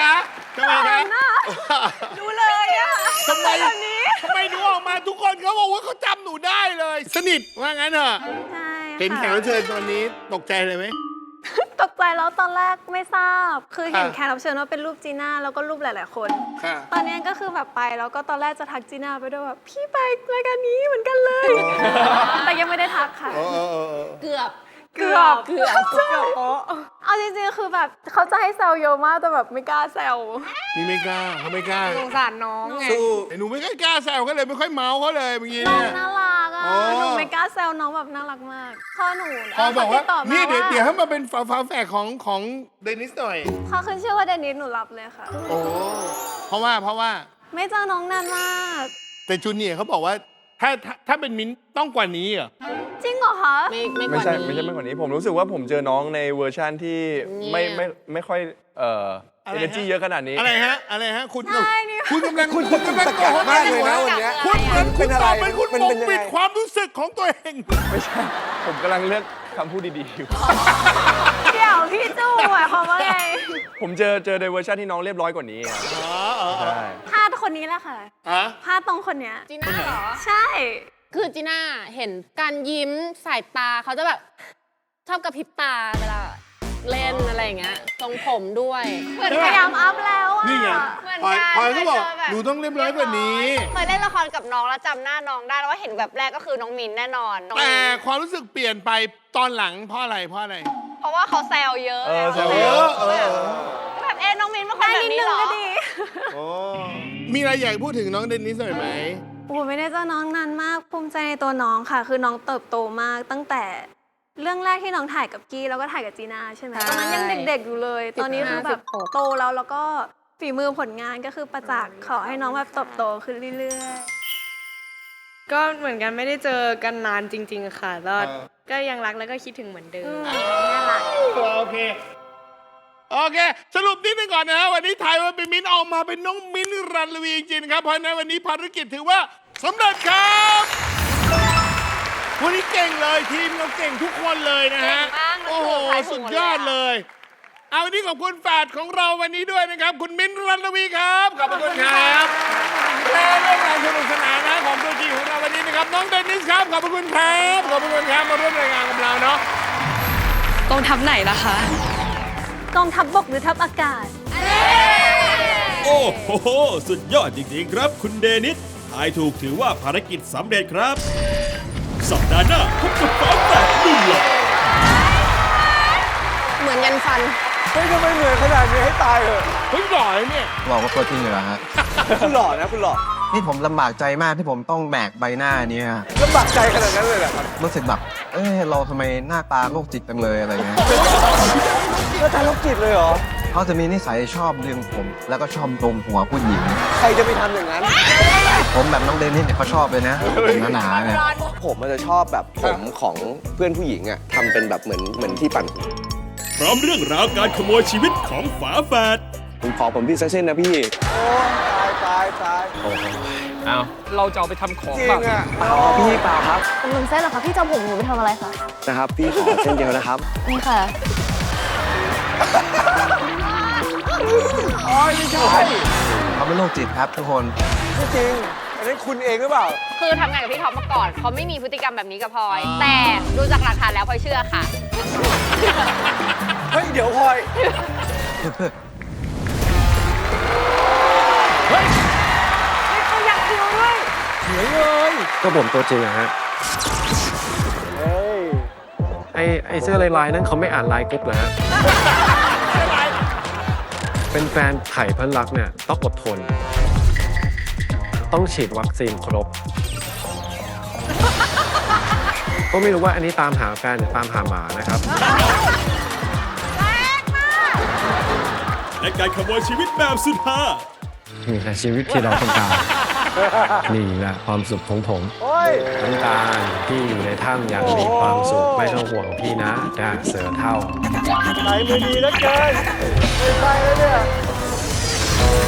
คะทำไมคะดูเลยอะทำไมหนูออกมาทุกคนเขาบอกว่าเขาจำหนูได้เลย สนิทว่างั้นเหรอใช่เห็นแขกรับเชิญตอนนี้ตกใจเลยไหมตกใจแล้วตอนแรกไม่ทราบ คือเห็นค่ะแขกรับเชิญว่าเป็นรูปจีน่าแล้วก็รูปหลาย ๆ คนค่ะตอนนี้ก็คือแบบไปแล้วก็ตอนแรกจะทักจีน่าไปด้วยแบบพี่ไปรายการนี้เหมือนกันเลย แต่ยังไม่ได้ทักค่ะเออเกือบโป๊ะเอาจริงๆ คือแบบเขาจะให้แซวเยอะมากแต่แบบไม่กล้าแซวนี่ไม่กล้าเขาไม่กล้าสงสารน้องไงสู้หนูไม่ค่อยกล้าแซวเขาเลยไม่ค่อยเมาเขาเลยเมื่อกี้น้องเนี่ยน่ารักอ่ะอ๋อหนูไม่กล้าแซวน้องแบบน่ารักมากพ่อหนูพอบอกว่าเขติดต่มนี่เดี๋ยวาเดี๋ยวให้มาเป็นฝาแฝดของเดนิสหน่อยเขาขึ้นชื่อว่าเดนิสหนูรับเลยค่ะโอ้เพราะว่าไม่เจอน้องนานมากแต่จูเนียร์เขาบอกว่าถ้าเป็นมิ้นท์ต้องกว่านี้เหรอจริงเหรอคะไม่ใช่ไม่กว่านี้ผมรู้สึกว่าผมเจอน้องในเวอร์ชั่นที่ไม่ค่อยenergy เยอะขนาดนี้อะไรฮะคุณใช่นี่คุณกำลังคุณตะกักมากเลยนะวันเนี้ยคุณเหมือนคุณตอบเป็นคุณมันปกเป็นยังไงปิดความรู้สึกของตัวเองไม่ใช่ ผมกำลังเลือกคำพูดดีๆอยู่เดี๋ยวพี่จูหมายความว่าไงผมเจอในเวอร์ชันที่น้องเรียบร้อยกว่านี้ครับใช่พลาดคนนี้แหละค่ะฮะพลาดตรงคนเนี้ยจีน่าเหรอใช่คือจีน่าเห็นการยิ้มสายตาเขาจะแบบชอบกระพริบตาเวลาเล่นอะไรอย่างเงี้ยทรงผมด้วยเหมือนพยายามอัพแล้วอ่ะนี่ไงเหมือนพลอยกันพลอยก็บอกเคยเจอแบบหนูต้องเรียบร้อยกว่านี้เคยเล่นละครกับน้องแล้วจำหน้าน้องได้แล้วว่าเห็นแบบแรกก็คือน้องมินแน่นอนน้องแต่มิ้นความรู้สึกเปลี่ยนไปตอนหลังเพราะอะไรเพราะว่าเขาแซวเยอะแซวเอเยออะแบบน้องมินเป็นคนได้แบบนิดนี้นึงเหรอก็ดีโอ้มีอะไรอยากพูดถึงน้องเดนิสหน่อยไหมโอ้ไม่ได้เจอน้องนานมากภูมิใจในตัวน้องค่ะ คือน้องเติบโตมากตั้งแต่เรื่องแรกที่น้องถ่ายกับกี้แล้วก็ถ่ายกับจีน่าใช่ไหมตอนนั้นยังเด็กๆอยู่เลย ตอนนี้คือแบบโตแล้วก็ฝีมือผลงานก็คือประจักษ์ขอให้น้องแบบเติบโตขึ้นเรื่อยก็เหมือนกันไม่ได้เจอกันนานจริง ๆ ค่ะแล้วก็ยังรักแล้วก็คิดถึงเหมือนเดิมๆน่ารักโอเค สรุปนิดนึงก่อนนะฮะวันนี้ถ่ายว่าเป็นมิ้นท์ออกมาเป็นน้องมิ้นท์รันลวีจริงๆนะครับเพราะฉะนั้นวันนี้ภารกิจถือว่าสำเร็จครับวันนี้เก่งเลยทีมเราเก่งทุกคนเลยนะฮะเก่งมากเลยโอ้โหถ่ายถูสุกดหมดยอดเลยอะเลย เอาวันนี้ขอบคุณแฟดของเราวันนี้ด้วยนะครับ คุณมิ้นท์รันลวีครับขอบคุณครับและเรื่องราวสนุกสนานนะของตัวจริงของเราวันนี้นะครับน้องเดนิสครับขอบคุณครับขอบคุณครับมาร่วมรายงานกับเราเนาะกองทัพไหนล่ะคะกองทัพบกหรือทัพอากาศโอ้โห สุดยอดจริงๆครับคุณเดนิสทายถูกถือว่าภารกิจสำเร็จครับ สัปดาห์หน้าพบกับฟ้าแฝดนุ่มหล่อเหมือนยันฟันเฮ้ยทำไมเหนื่อยขนาดนี้ให้ตายเหรอเฮ้ยหล่อเลยเนี่ยบอกว่าตัวจริงเหรอฮะคุณหล่อนะคุณหล่อนี่ผมลำบากใจมากที่ผมต้องแบกใบหน้านี้ฮะลำบากใจขนาดนั้นเลยเหรอครับรู้สึกแบบ เราทำไมหน้าตาโรคจิตจังเลยอะไรเงี้ยแล้วทางโรคจิตเลยเหรอเขาจะมีนิสัยชอบดึงผม แล้วก็ชอบดมหัวผู้หญิงใครจะไปทำอย่างนั้นผมแบบน้องเดนิสเนี่ยเขาชอบเลยนะผมหนาๆเนี่ยผมมันจะชอบแบบผมของเพื่อนผู้หญิงอะทำเป็นแบบเหมือนที่ปั่นพร้อมเรื่องราวการขโมยชีวิตของฝาแฝดผมขอผมพี่สักเส้นนะพี่ โอ้ตายเอาเราจะเอาไปทำของจริงแบบอะเปล่าพี่เปล่าครับตำลึงเส้นเหรอคะพี่จะเอาผมหนูไปทำอะไรคะนะครับ พี่ขอเส้นเดียวนะครับนี่ค่ะอ๋อไม่ใช่เขาเป็นโรคจิตครับทุกคนไม่จริง อันนั้นคุณเองหรือเปล่าคือทำงานกับพี่ท็อปมาก่อนเขาไม่มีพฤติกรรมแบบนี้กับพลอย แต่ดูจากหลักฐานแล้วพลอยเชื่อค่ะเฮ้ย เดี๋ยวพลอยก็ผมตัวจริงอะฮะเฮ้ยไอเสื้อลายๆนั้นเขาไม่อ่านไลน์กรุ๊ปเหรอฮะ เป็นแฟนไผ่เพื่อนรักเนี่ยต้องอดทน ต้องฉีดวัคซีนครบ ก็ไม่รู้ว่าอันนี้ตามหาแฟนหรือตามหาหมานะครับและการขโมยชีวิตแบบสุดฮานี่แหละชีวิตที่เราต้องการ นี่แหละความสุขของผมโอ้ยน้ำตาลพี่อยู่ในถ้ำอย่างมีความสุขไม่ต้องห่วงพี่นะจ้าเสือเท่าไหนมือดีแล้วเกิน ไม่ใช่แล้วเนี่ย